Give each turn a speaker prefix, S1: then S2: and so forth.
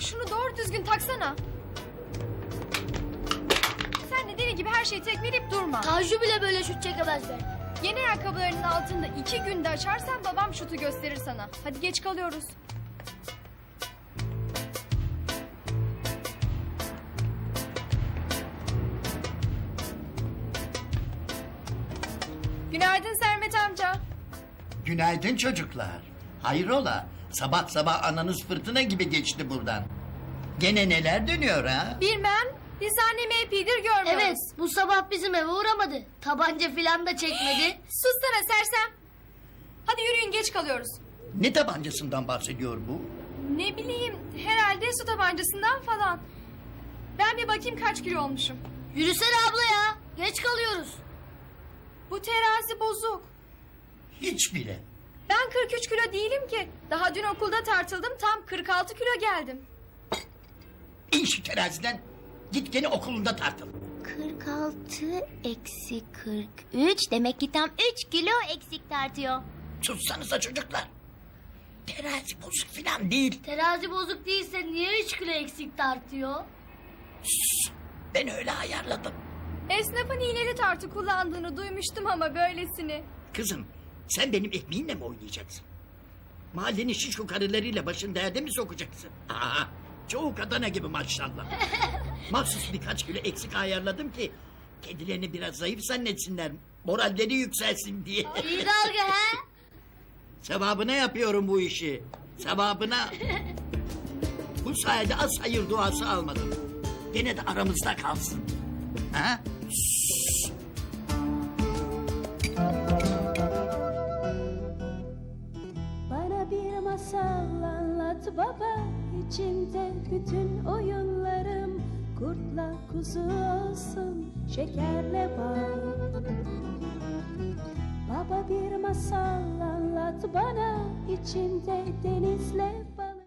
S1: Şunu doğru düzgün taksana. Sen de deli gibi her şeyi tekmeleyip durma.
S2: Tanju bile böyle şut çekemez be.
S1: Yeni ayakkabılarının altında 2 günde açarsan babam şutu gösterir sana. Hadi geç kalıyoruz. Günaydın Sermet amca.
S3: Günaydın çocuklar. Hayrola? Sabah sabah ananız fırtına gibi geçti buradan. Gene neler dönüyor ha?
S1: Bilmem. Biz annemi epeydir görmüyoruz.
S2: Evet, bu sabah bizim eve uğramadı. Tabanca filan da çekmedi.
S1: Sussana sersem. Hadi yürüyün geç kalıyoruz.
S3: Ne tabancasından bahsediyor bu?
S1: Ne bileyim herhalde su tabancasından falan. Ben bir bakayım kaç kilo olmuşum.
S2: Yürüsene abla ya. Geç kalıyoruz.
S1: Bu terazi bozuk.
S3: Hiç bile.
S1: Ben 43 kilo değilim ki. Daha dün okulda tartıldım tam 46 kilo geldim.
S3: İn şu teraziden. Git gene okulunda tartıl.
S4: 46 eksi 43 demek ki tam 3 kilo eksik tartıyor.
S3: Sussanıza çocuklar. Terazi bozuk falan değil.
S2: Terazi bozuk değilse niye 3 kilo eksik tartıyor?
S3: Sus. Ben öyle ayarladım.
S1: Esnafın iğneli tartı kullandığını duymuştum ama böylesini.
S3: Kızım sen benim ekmeğinle mi oynayacaksın? Mahallenin şişko karılarıyla başın derde mi sokacaksın? Aa, çoğu kadına gibi maşallah. Mahsus birkaç kilo eksik ayarladım ki... ...kendilerini biraz zayıf zannetsinler... ...moralleri yükselsin diye.
S2: İyi dalga he?
S3: Sevabına yapıyorum bu işi. Sevabına. Bu sayede az hayır duası almadım. Gene de aramızda kalsın. Ha? Şşş.
S5: Bana bir masal anlat baba, içinde bütün oyunlarım. Kurtla kuzu olsun, şekerle bal. Baba bir masal anlat bana, içinde denizle bal.